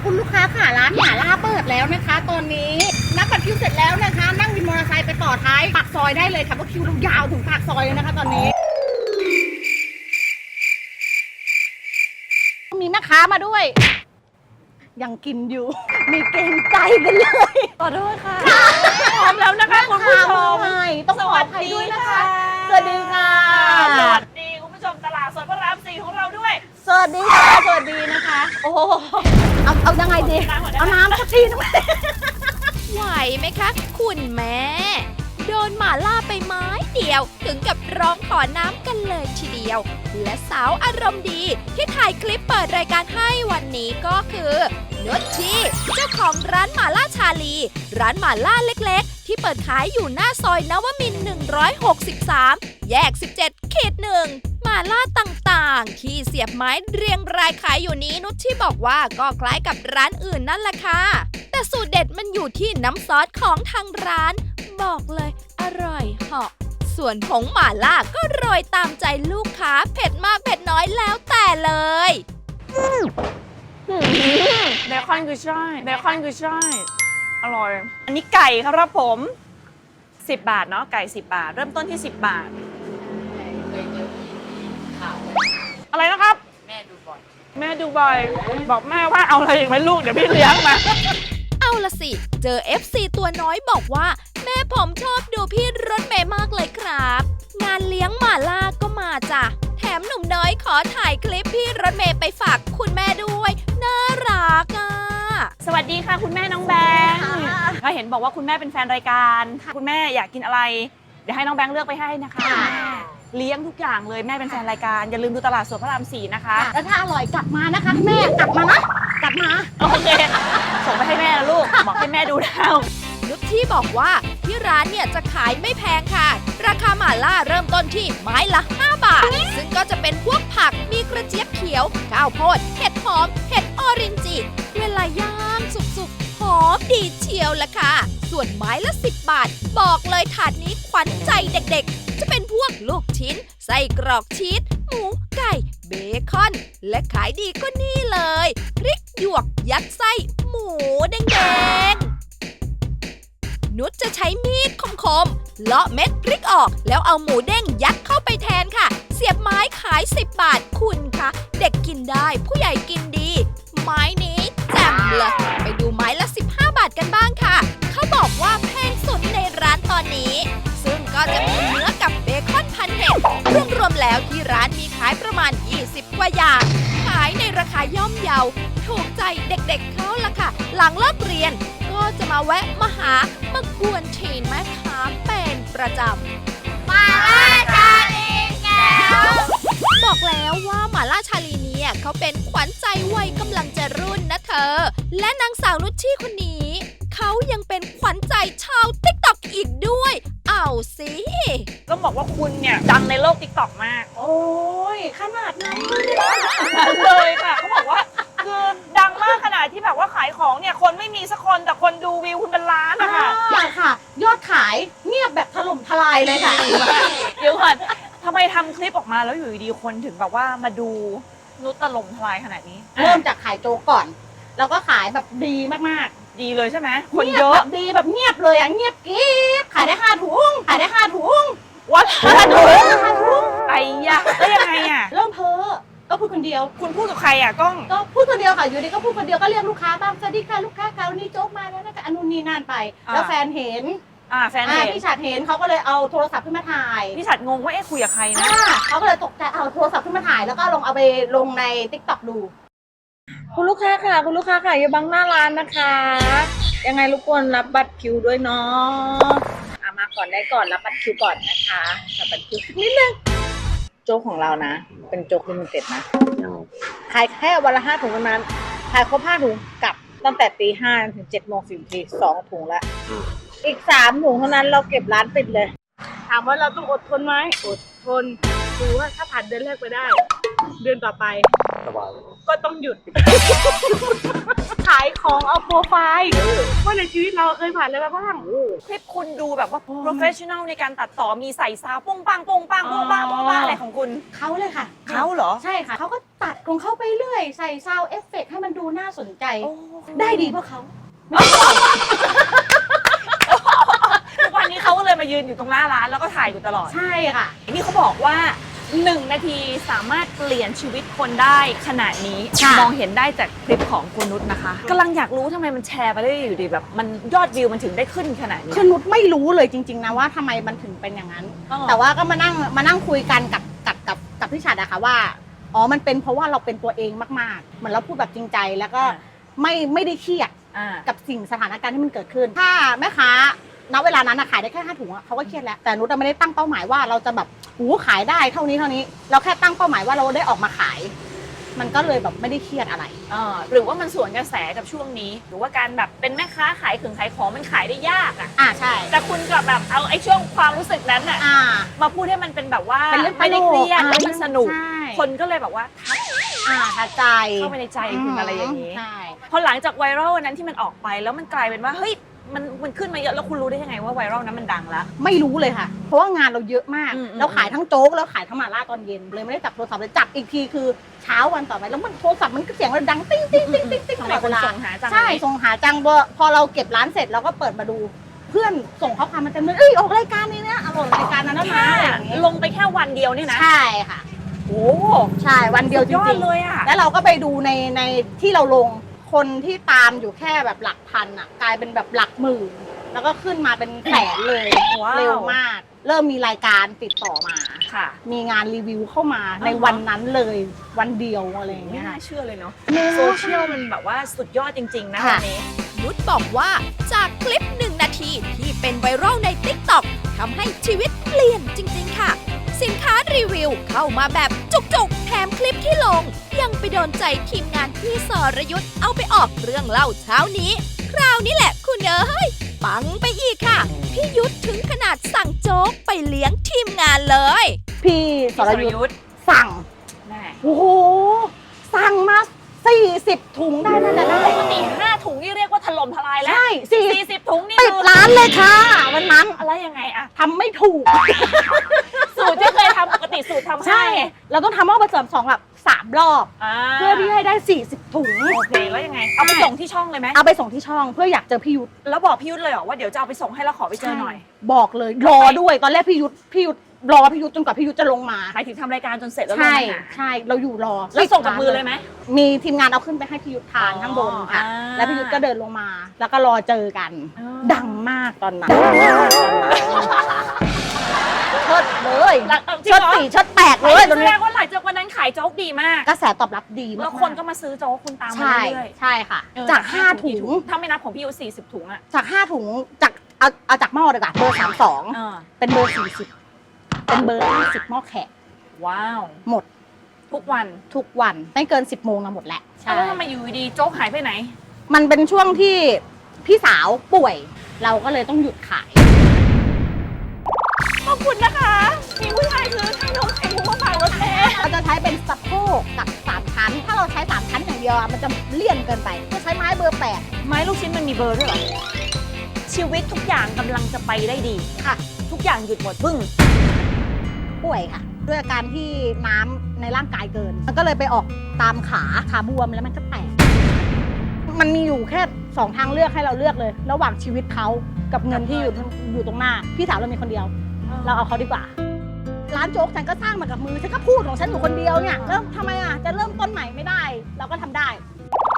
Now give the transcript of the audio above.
คุณลูกค้าค่ะร้านหม่าล่าเปิดแล้วนะคะ ตอนนี้นับบัตรคิวเสร็จแล้วนะคะนั่งวินมอเตอร์ไซค์ไปต่อท้ายปากซอยได้เลยค่ะเพราะคิวยาวถึงปากซอยเลยนะคะตอนนี้มีแม่ค้ามาด้วยยังกินอยู่มีเกรงใจกันเลยขอโทษค่ะพร้อมแล้วนะคะคุณผู้ชมต้องขออภัยด้วยนะคะสวัสดีค่ะสวัสดีคุณผู้ชมตลาดสดพระราม4ของเราด้วยสวัสดีค่ะสวัสดีนะคะโอ้เอายังไงดีเอาน้ำสักทีนึงไหวไหมคะคุณแม่โดนหมาล่าไปไม้เดียวถึงกับร้องขอน้ำกันเลยทีเดียวและสาวอารมณ์ดีที่ถ่ายคลิปเปิดรายการให้วันนี้ก็คือนุชชีเจ้าของร้านหมาล่าชาลีร้านหมาล่าเล็กๆที่เปิดขายอยู่หน้าซอยนวมินทร์163แยก17-1หมาล่าต่างๆที่เสียบไม้เรียงรายขายอยู่นี้นุชชีบอกว่าก็คล้ายกับร้านอื่นนั่นแหละค่ะแต่สูตรเด็ดมันอยู่ที่น้ำซอสของทางร้านบอกเลยอร่อยเหาะส่วนผงหม่าล่าก็โรยตามใจลูกค้าเผ็ดมากเผ็ดน้อยแล้วแต่เลยเบคอนคือใช่เบคอนคือใช่อร่อยอันนี้ไก่ครับผม10 บาทเนาะไก่10 บาทเริ่มต้นที่10 บาทอะไรนะครับแม่ดูบ่อยบอกแม่ว่าเอาอะไรอีกไหมลูกเดี๋ยวพี่เลี้ยงมาเอาละสิเจอ FC ตัวน้อยบอกว่าแม่ผมชอบดูพี่รถเมย์มากเลยครับงานเลี้ยงหม่าล่าก็มาจ้ะแถมหนุ่มน้อยขอถ่ายคลิปพี่รถเมย์ไปฝากคุณแม่ด้วยน่ารักอ่ะสวัสดีค่ะคุณแม่น้องแบงค์ก็เห็นบอกว่าคุณแม่เป็นแฟนรายการคุณแม่อยากกินอะไรเดี๋ยวให้น้องแบงค์เลือกไปให้นะคะเลี้ยงทุกอย่างเลยแม่เป็นแฟนรายการอย่าลืมดูตลาดสดพระราม4นะคะแล้วถ้าอร่อยกลับมานะคะแม่กลับมานะกลับมาโอเคส่งไปให้แม่นะลูกบอกให้แม่ดูดาวนุชที่บอกว่าที่ร้านเนี่ยจะขายไม่แพงค่ะราคาหม่าล่าเริ่มต้นที่ไม้ละ5 บาทซึ่งก็จะเป็นพวกผักมีกระเจี๊ยบเขียวข้าวโพดเห็ดหอมเห็ดออรินจิเวลาย่างสุกๆหอมดีเชียวละค่ะส่วนไม้ละ10 บาทบอกเลยถาดนี้ขวัญใจเด็กๆจะเป็นพวกลูกชิ้นไส้กรอกชีสหมูไก่เบคอนและขายดีก็นี่เลยพริกหยวกยัดไส้หมูแดงๆนุชจะใช้มีดคมๆเลาะเม็ดพริกออกแล้วเอาหมูเด้งยัดเข้าไปแทนค่ะเสียบไม้ขาย10 บาทคุณคะเด็กกินได้ผู้ใหญ่กินดีไม้นี้แจ่มเลยไปดูไม้ละ15 บาทกันบ้างค่ะเขาบอกว่าแพงสุดในร้านตอนนี้ซึ่งก็จะมีเนื้อกับเบคอนพันเห็ดรวมๆแล้วที่ร้านมีขายประมาณ20 กว่าอย่างขายในราคาย่อมเยาถูกใจเด็กๆเขาละค่ะหลังเลิกเรียนก็จะมาแวะมาหามากวนทีนแม่ค้าเป็นประจำหม่าล่าชาลีแก้วบอกแล้วว่าหม่าล่าชาลีเนี่ยเขาเป็นขวัญใจวัยกำลังจะรุ่นนะเธอและนางสาวนุชชี่คนนี้เขายังเป็นขวัญใจชาวติ๊กต็อกอีกด้วยเอาสิก็บอกว่าคุณเนี่ยดังในโลกติ๊กต็อกมากโอ้ยขนาดนั้นเลยค่ะเขาบอกว่าคือดังมากขนาดที่แบบว่าขายของเนี่ยคนไม่มีสักคนแต่คนดูวิวคุณเป็นล้านนะคะค่ะยอดขายเงียบแบบถล่มทลายเลยค่ะเดี๋ยวก่อนทำไมทำคลิปออกมาแล้วอยู่ดีๆคนถึงแบบว่ามาดูนุชถล่มทลายขนาดนี้เริ่มจากขายโจ๊กก่อนแล้วก็ขายแบบดีมากๆดีเลยใช่ไหมคนเยอะดีแบบเงียบเลยอ่ะเงียบกิ๊บขายได้5 ถุงวัด5 ถุงไอ้ยะแล้วยังไงอ่ะเริ่มเพ้อก็พูดคนเดียวคุณพูดกับใครอ่ะกล้องก็พูดคนเดียวค่ะอยู่ดีก็พูดคนเดียวก็เรียกลูกค้าบ้างสวัสดีค่ะลูกค้าค่ะวันนี้โจ๊กมาแล้วนะคะอนุนี่นั่นไปแล้วแฟนเห็นแฟนเห็นพี่ฉัดเห็นเขาก็เลยเอาโทรศัพท์ขึ้นมาถ่ายพี่ฉัดงงว่าคุยกับใครนะเขาก็เลยตกใจเอาโทรศัพท์ขึ้นมาถ่ายแล้วก็เอาไปลงใน TikTok ดูคุณลูกค้าค่ะอย่าบังหน้าร้านนะคะยังไงรบกวนรับบัตรคิวด้วยเนาะมาก่อนได้ก่อนรับบัตรคิวก่อนนะคะรับบัตรคิวนิดนึงโจ๊กของเรานะเป็นโจ๊กลิมิเต็ดนะขายแค่วันละ5 ถุงเท่านั้นขายครบ5 ถุงกลับตั้งแต่ตี 5 ถึง 7:10 2 ถุงละอีก3 ถุงเท่านั้นเราเก็บร้านปิดเลยถามว่าเราต้องอดทนไหมอดทนดูว่าถ้าผ่านเดือนแรกไปได้เดือนต่อไปก็ต้องหยุดขายของเอาโปรไฟล์ว่าในชีวิตเราเคยผ่านอะไรมาบ้างคลิปคุณดูแบบว่า professional ในการตัดต่อมีใส่ซาวปุ้งปังปุ้งปังปุ้งปังปุ้งปังอะไรของคุณเขาเลยค่ะเขาเหรอใช่ค่ะเขาก็ตัดของเขาไปเรื่อยใส่ซาวเอฟเฟกต์ให้มันดูน่าสนใจ ได้ดีเพราะเขาทุกวันนี้เขาก็เลยมายืนอยู่ตรงหน้าร้านแล้วก็ถ่ายอยู่ตลอดใช่ค่ะนี่เขาบอกว่า 1 นาทีสามารถเปลี่ยนชีวิตคนได้ขนาดนี้ค่ะมองเห็นได้จากคลิปของคุณนุชนะคะกำลังอยากรู้ทำไมมันแชร์ไปได้อยู่ดีแบบมันยอดวิวมันถึงได้ขึ้นขนาดนี้คือนุชไม่รู้เลยจริงๆนะว่าทำไมมันถึงเป็นอย่างนั้นอ๋อแต่ว่าก็มานั่งคุยกันกับพี่ฉัดอะค่ะว่าอ๋อมันเป็นเพราะว่าเราเป็นตัวเองมากๆเหมือนเราพูดแบบจริงใจแล้วก็ไม่ได้เครียดอ่ากับสิ่งสถานการณ์ที่มันเกิดขึ้น ถ้าแม่ค้าณเวลานั้นนะขายได้แค่5 ถุงอะเขาก็เครียดแล้วแต่นุชไม่ได้ตั้งเป้าหมายว่าเราจะแบบขายได้เท่านี้เราแค่ตั้งเป้าหมายว่าเราได้ออกมาขาย มันก็เลยแบบไม่ได้เครียดอะไรหรือว่ามันสวนกระแสกับช่วงนี้ หรือว่าการแบบเป็นแม่ค้าขายขายของมันขายได้ยากอะใช่แต่คุณกลับแบบเอาไอ้ช่วงความรู้สึกนั้นอะ มาพูดให้มันเป็นแบบว่าเป็นเรื่องไม่ได้เครียดแล้วมันสนุกใช่คนก็เลยแบบว่าทักทัดใจเข้าไปในใจคุณอะไรอย่างนี้ใช่พอหลังจากไวรัลวันนั้นที่มันออกไปแล้วมันกลายเป็นว่าเฮ้ยมันขึ้นมาเยอะแล้วคุณรู้ได้ยังไงว่าไวรัลนั้นมันดังแล้วไม่รู้เลยค่ะ เพราะว่างานเราเยอะมากอืมเราขายทั้งโจ๊กแล้วขายทั้งหม่าล่าตอนเย็นเลยไม่ได้จับโทรศัพท์เลยจับอีกทีคือเช้าวันต่อไปแล้วมันโทรศัพท์มันก็เสียงมันดังติ้งติ้งติ้งติ้งติ้งทำตไมลอดคเวน ลาส่งหาจังใช่ส่งหาจังพอเราเก็บร้านเสร็จเราก็เปิดมาดู เพื่อนส่งข้อความมาเต็มเลยออกรายการนี้นะออกรายการนั้นนะแค่อะไรอย่างงี้ลงไปแค่วันเดียวเนี่ยนะใช่ค่ะโอ้ใช่วันเดียวจยอริดงเลยอ่ะๆแล้วเราก็ไปดูในที่เราลงคนที่ตามอยู่แค่แบบหลักพันอ่ะกลายเป็นแบบหลักหมื่นแล้วก็ขึ้นมาเป็นแสนเลยว้าวเร็วมาก เริ่มมีรายการติดต่อมาค่ะมีงานรีวิวเข้ามาในวันนั้นเลยวันเดียวอะไรอย่างไม่เงี้ยน่าเชื่อเลยเนาะโซเชียลมันแบบว่าสุดยอดจริงๆนะค่ะวันนี้นุชบอกว่าจากคลิป 1 นาทีที่เป็นไวรัลใน TikTok ทำให้ชีวิตเปลี่ยนจริงๆค่ะ สินค้ารีวิวเข้ามาแบบจุกๆ แถมคลิปที่ลง ยังไปโดนใจทีมงานพี่สรยุทธ์เอาไปออกเรื่องเล่าเช้านี้ คราวนี้แหละคุณเอ้ยปังไปอีกค่ะ พี่ยุทธถึงขนาดสั่งโจ๊กไปเลี้ยงทีมงานเลยพี่สรยุทธ์สั่งแม่โอ้โหสั่งมา40 ถุงได้นั่นแหละได้ปกติ5 ถุงนี่เรียกว่าถล่มทลายแล้วใช่ 40 ถุงนี่ปิดร้านเลยค่ะวันนั้นอะไรยังไงอะทำไม่ถูกสูตรที่เคยทำปกติสูตรทำใช่ เราต้องทำหม้อผสม2แบบ3 รอบ เพื่อที่ให้ได้40 ถุงโอเคแล้วยังไง เอาไปส่งที่ช่องเลยไหมเอาไปส่งที่ช่องเพื่ออยากเจอพี่ยุทธแล้วบอกพี่ยุทธเลยเหรอว่าเดี๋ยวจะเอาไปส่งให้แล้วขอไปเจอหน่อยบอกเลยรอด้วยตอนแรกพี่ยุทธรอพี่ยุทธจนกว่าพี่ยุทธจะลงมาหมายถึงทำรายการจนเสร็จแล้วลงใช่มาหาใช่เราอยู่รอแล้วส่งกับมือเลยไหมมีทีมงานเอาขึ้นไปให้พี่ยุทธทานข้างบนค่ะ แล้วพี่ยุทธก็เดินลงมา แล้วก็รอเจอกัน ดังมากตอนนั้นเชิดเลยจริงเชิดเหรอ 4เชิด8เลยตอนแสนี้ดงว่าหลังจากวันนั้นขายโจ๊กดีมากกระแสตอบรับดีมากแล้วคนก็มาซื้อโจ๊กคุณตามมาใช่เรื่อยใช่ค่ะๆเออจาก5 ถุงถ้าไม่นับของพี่ยุทธ40 ถุงอะจาก5 ถุงจากเอาจากหม้อเลยค่ะเบอร์เอ 32 อเป็นเบอร์ 40 เป็นเบอร์ 50 หม้อแขกว้าวหมดทุกวันทุกวันไม่เกิน 10 โมงหมดแล้วแล้วทำไมอยู่ดีๆโจ๊กหายไปไหนมันเป็นช่วงที่พี่สาวป่วย เราก็เลยต้องหยุดขายขอบคุณนะคะ มีผู้ชายซื้อให้น้องไข่มุกมาฝากรถแท้เราจะใช้เป็นสะโพกกับ3 ชั้น ถ้าเราใช้ 3 ชั้นอย่างเดียวอะมันจะเลี่ยนเกินไปจะใช้ไม้เบอร์ไม้ลูกชิ้นมันมีเบอร์ด้วยเหรอ ชีวิตทุกอย่างกำลังจะไปได้ดี 8 ค่ะทุกอย่างหยุดหมดปึ้งป่วยค่ะ ด้วยอาการที่น้ำในร่างกายเกิน มันก็เลยไปออกตามขาบวมแล้วมันก็แตก มันมีอยู่แค่ 2 ทางเลือกให้เราเลือกเลย ระหว่างชีวิตเขากับเงินที่อยู่ตรงหน้า พี่สาวเรามีคนเดียว เราเอาเขาดีกว่า ร้านโจ๊กฉันก็สร้างมากับมือ ฉันก็พูดของฉันอยู่คนเดียวเนี่ย แล้วทำไมอ่ะ จะเริ่มต้นใหม่ไม่ได้ เราก็ทำได้